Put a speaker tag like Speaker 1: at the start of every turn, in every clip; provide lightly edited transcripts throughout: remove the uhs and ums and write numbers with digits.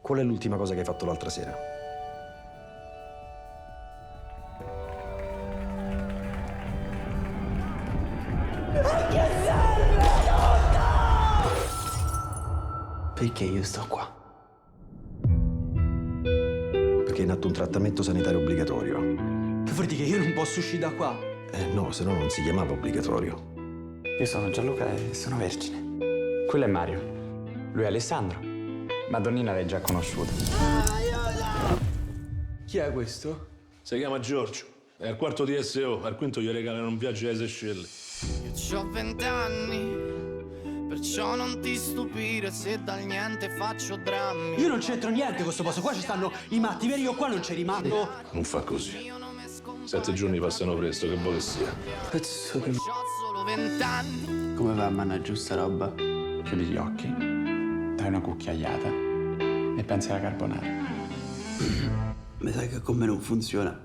Speaker 1: Qual è l'ultima cosa che hai fatto l'altra sera?
Speaker 2: Che serve tutto?
Speaker 3: Perché io sto qua?
Speaker 1: Perché è in atto un trattamento sanitario obbligatorio.
Speaker 3: Che vuol dire che io non posso uscire da qua?
Speaker 1: No, se no non si chiamava obbligatorio.
Speaker 3: Io sono Gianluca e sono vergine.
Speaker 4: Quello è Mario. Lui è Alessandro. Madonnina l'hai già conosciuta.
Speaker 3: Chi è questo?
Speaker 5: Si chiama Giorgio. È al quarto di SO, al quinto gli regalano un viaggio alle Seychelles.
Speaker 6: Io c'ho 20 anni, perciò non ti stupire se dal niente faccio drammi.
Speaker 3: Io non c'entro niente con questo posto, qua ci stanno i matti veri, io qua non ci rimango.
Speaker 5: Non fa così. 7 giorni passano presto, che vuole che sia.
Speaker 3: Pezzo che...
Speaker 6: C'ho solo 20 anni.
Speaker 3: Come va a mangiare sta roba?
Speaker 4: Chiudi gli occhi, dai una cucchiaiata e pensi alla carbonara.
Speaker 3: Mi sa che con me non funziona.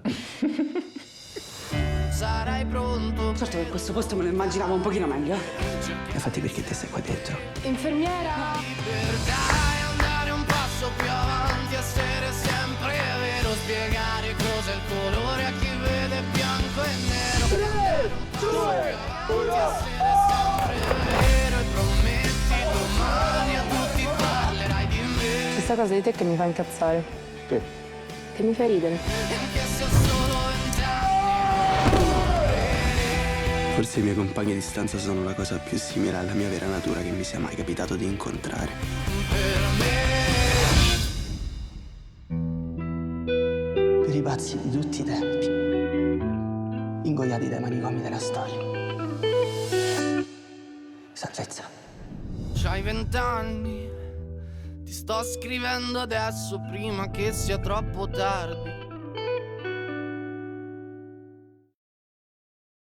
Speaker 6: Sarai pronto.
Speaker 2: Certo che questo posto me lo immaginavo un pochino meglio.
Speaker 3: Infatti perché te stai qua dentro?
Speaker 2: Infermiera!
Speaker 6: Dai, andare un passo più avanti, essere sempre vero, spiegare cos'è il colore a chi vede bianco e nero. 3, 2, 1, essere sempre vero e prometti domani a tutti parlerai di me.
Speaker 7: Questa cosa di te che mi fa incazzare.
Speaker 4: Che?
Speaker 7: Che mi fa ridere.
Speaker 6: Che sia solo 20 anni.
Speaker 3: Forse i miei compagni di stanza sono la cosa più simile alla mia vera natura che mi sia mai capitato di incontrare. Per i pazzi di tutti i tempi, ingoiati dai manicomi della storia. Salvezza.
Speaker 6: C'hai 20 anni, ti sto scrivendo adesso prima che sia troppo tardi.